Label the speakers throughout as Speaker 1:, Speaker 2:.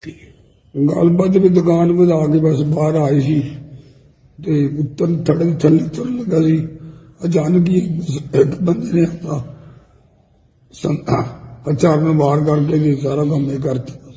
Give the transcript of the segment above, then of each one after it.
Speaker 1: ਗੱਲਬਾਤ ਵੀ ਦੁਕਾਨ ਵਧਾ ਕੇ ਬਸ ਬਾਹਰ ਆਏ ਸੀ ਤੇ ਉੱਤਰ ਥੱਲੇ ਤੁਰ ਲੱਗਾ ਸੀ। ਅਚਾਨਕ ਹੀ ਇੱਕ ਬੰਦੇ ਨੇ ਆਪਣਾ ਹਥਿਆਰ ਨੂੰ ਵਾਰ ਕਰਕੇ ਜੀ ਸਾਰਾ ਕੰਮ ਇਹ ਕਰ ਦਿੱਤਾ।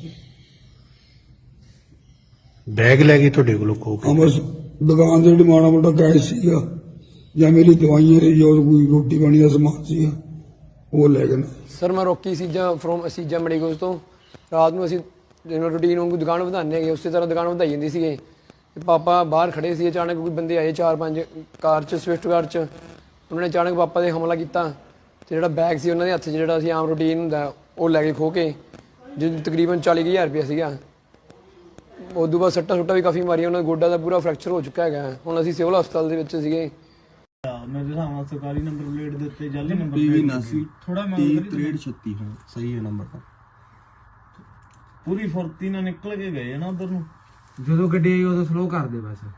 Speaker 2: ਬੈਗ ਲੈ ਗਏ ਤੁਹਾਡੇ ਕੋਲੋਂ ਖੋ ਕੇ?
Speaker 1: ਬਸ ਦੁਕਾਨ ਦੇ ਜਿਹੜਾ ਮਾੜਾ ਮੋਟਾ ਕੈਸ਼ ਸੀਗਾ ਜਾਂ ਮੇਰੀ ਦਵਾਈਆਂ ਸੀ ਜੋ ਕੋਈ ਰੋਟੀ ਪਾਣੀ ਦਾ ਸਮਾਨ ਸੀਗਾ ਉਹ ਲੈ ਗਏ।
Speaker 3: ਸਰ ਮੈਂ ਰੋਕੀ ਸੀਜਾ ਫਰੋਮ ਸੀਜਾ ਮੈਡੀਕਲਸ ਤੋਂ। ਰਾਤ ਨੂੰ ਅਸੀਂ ਜਿਵੇਂ ਰੂਟੀਨ ਵਾਂਗੂ ਦੁਕਾਨ ਵਧਾਉਂਦੇ ਹੈਗੇ ਉਸੇ ਤਰ੍ਹਾਂ ਦੁਕਾਨ ਵਧਾਈ ਜਾਂਦੀ ਸੀਗੇ ਤੇ ਪਾਪਾ ਬਾਹਰ ਖੜੇ ਸੀ। ਅਚਾਨਕ ਕੋਈ ਬੰਦੇ ਆਏ 4-5 ਕਾਰ 'ਚ ਸਵਿਫਟ ਕਾਰ 'ਚ। ਉਹਨਾਂ ਨੇ ਅਚਾਨਕ ਪਾਪਾ 'ਤੇ ਹਮਲਾ ਕੀਤਾ ਤੇ ਜਿਹੜਾ ਬੈਗ ਸੀ ਉਹਨਾਂ ਦੇ ਹੱਥ 'ਚ ਜਿਹੜਾ ਅਸੀਂ ਆਮ ਰੂਟੀਨ ਹੁੰਦਾ ਉਹ ਲੈ ਕੇ ਖੋਹ ਕੇ, ਜਿਹਦੇ ਤਕਰੀਬਨ 40,000 ਰੁਪਇਆ ਸੀਗਾ। ਉਦੋਂ ਬਾਅਦ ਸੱਟਾਂ ਸੁੱਟਾਂ ਵੀ ਕਾਫੀ ਮਾਰੀਆਂ। ਉਹਨਾਂ ਦਾ ਗੋਡਾ ਦਾ ਪੂਰਾ ਫ੍ਰੈਕਚਰ ਹੋ ਚੁੱਕਾ ਹੈਗਾ। ਹੁਣ ਅਸੀਂ ਸਿਵਲ ਹਸਪਤਾਲ ਦੇ ਵਿੱਚ ਸੀਗੇ।
Speaker 4: ਮੇਰੇ ਹਿਸਾਬ ਨਾਲ ਸਰਕਾਰੀ ਨੰਬਰ ਪਲੇਟ ਦੇ ਉੱਤੇ ਜਾਲੀ ਨੰਬਰ
Speaker 5: PV 89 ਥੋੜਾ 306336 ਹਾਂ ਸਹੀ ਹੈ ਨੰਬਰ ਤਾਂ।
Speaker 4: ਪੂਰੀ ਫੁਰਤੀ ਨਾਲ ਨਿਕਲ ਕੇ ਗਏ ਨਾ ਉਧਰ ਨੂੰ।
Speaker 6: ਜਦੋਂ ਗੱਡੀ ਆਈ ਉਦੋਂ ਸਲੋ ਕਰ ਦੇ ਬਸ।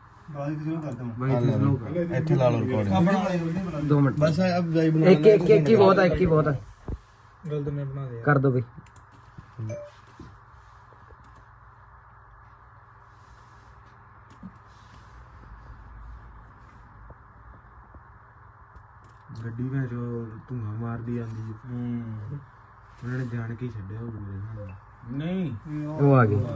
Speaker 5: ਇੱਥੇ ਲਾ ਲਓ ਰਿਕਾਰਡਿੰਗ
Speaker 6: 2 ਮਿੰਟ
Speaker 5: ਬਸ ਅਬ ਜਾਈ ਬਣਾ
Speaker 6: ਇੱਕ ਹੀ ਬਹੁਤ ਹੈ, ਇੱਕ ਹੀ ਬਹੁਤ ਹੈ।
Speaker 4: ਗਲਤ ਮੈਂ ਬਣਾ ਦੇ
Speaker 6: ਕਰ ਦੋ ਬਈ। ਗੱਡੀ ਵਿੱਚ ਜੋ ਧੂਆਂ ਮਾਰਦੀ ਆਂਦੀ ਉਹਨਾਂ ਨੇ ਜਾਣ ਕੇ ਹੀ ਛੱਡਿਆ ਉਹ
Speaker 4: ਨਹੀਂ
Speaker 6: ਉਹ ਆ ਗਏ।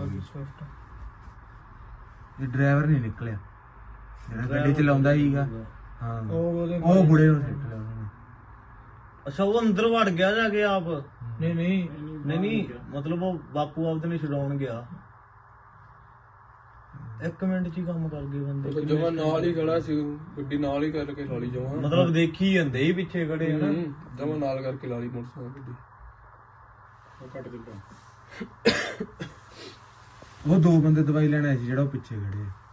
Speaker 6: ਇਹ ਡਰਾਈਵਰ ਨਹੀਂ ਨਿਕਲਿਆ ਜਿਹੜਾ ਗੱਡੀ ਚਲਾਉਂਦਾ ਸੀਗਾ। ਹਾਂ ਉਹ ਬੁੜੇ ਨੂੰ ਸਿੱਟ ਲਿਆ ਉਹਨਾਂ ਨੇ।
Speaker 4: ਅੱਛਾ ਉਹ ਅੰਦਰ ਵੜ ਗਿਆ ਜਾ ਕੇ ਆਪ? ਨਹੀਂ ਮਤਲਬ ਉਹ ਬਾਪੂ ਆਪਦੇ ਨੇ ਛਡਾਉਣ ਗਿਆ। 1 ਮਿੰਟ 'ਚ ਹੀ ਕੰਮ ਕਰ ਗਏ ਬੰਦੇ।
Speaker 7: ਜਮਾ ਨਾਲ ਹੀ ਖੜਾ ਸੀ, ਗੱਡੀ ਨਾਲ ਹੀ ਕਰਕੇ ਲਾ ਲਈ ਜਮਾ।
Speaker 4: ਮਤਲਬ ਦੇਖੀ ਜਾਂਦੇ ਹੀ ਪਿੱਛੇ ਖੜੇ ਹਨਾ।
Speaker 7: ਜਮਾ ਨਾਲ ਕਰਕੇ ਲਾ ਲਈ ਮੋਟਰਸਾਈਕਲ ਗੱਡੀ।
Speaker 6: ਉਹ 2 ਬੰਦੇ ਦਵਾਈ ਲੈਣ ਆਏ ਸੀ ਜਿਹੜਾ ਉਹ ਪਿੱਛੇ ਖੜੇ ਆ।